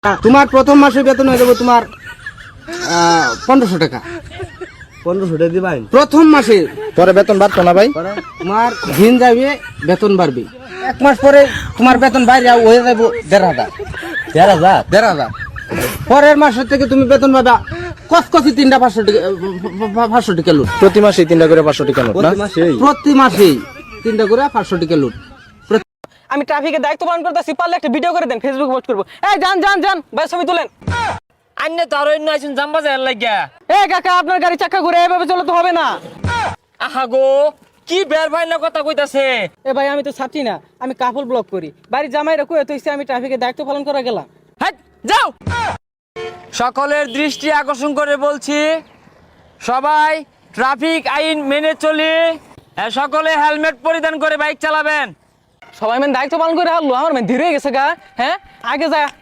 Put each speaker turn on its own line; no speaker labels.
তোমার প্রথম মাসে বেতন হয়ে যাবে তোমার 1500 টাকা।
1500 টাকা দিবাই
প্রথম মাসে।
পরে বেতন বাড়তো না ভাই?
তোমার দিন যাবে বেতন বাড়বে, 1 মাস পরে তোমার বেতন বাইরে হয়ে যাবে 1500। 1500 পরের মাসের থেকে তুমি বেতন পাবা কসকসি 3টা 500 টাকা, 500 টাকা লুট।
প্রতি মাসে 3টা করে 500 টাকা নোট না?
প্রতি মাসেই 3টা করে 500 টাকা লুট।
আমি ট্রাফিকের দায়িত্ব পালন করতেছি, পারলে একটা ভিডিও করে দেন, ফেসবুকে পোস্ট করবো। এই যান যান যান ভাই, ছবি তুলেন।
আন্নে তো আরো আইছুন জাম্বা যায় লাগিয়া।
এ কাকা, আপনার গাড়ি চাকা ঘুরে এভাবে চলে তো হবে না।
আহা গো, কি বের ভাই না কথা কইতাছে।
এ ভাই, আমি তো ছাত্রী না, আমি কাপড় ব্লক করি। বাড়ির জামাইরা কই তো আমি ট্রাফিকের দায়িত্ব পালন করে গেলাম।
হাট যাও। সকলের দৃষ্টি আকর্ষণ করে বলছি, সবাই ট্রাফিক আইন মেনে চলি। সকলে হেলমেট পরিধান করে বাইক চালাবেন।
সবাই মানে দায়িত্ব পালন করে হারলো, আমার মানে ধীরে গেছে গা। হ্যাঁ, আগে যা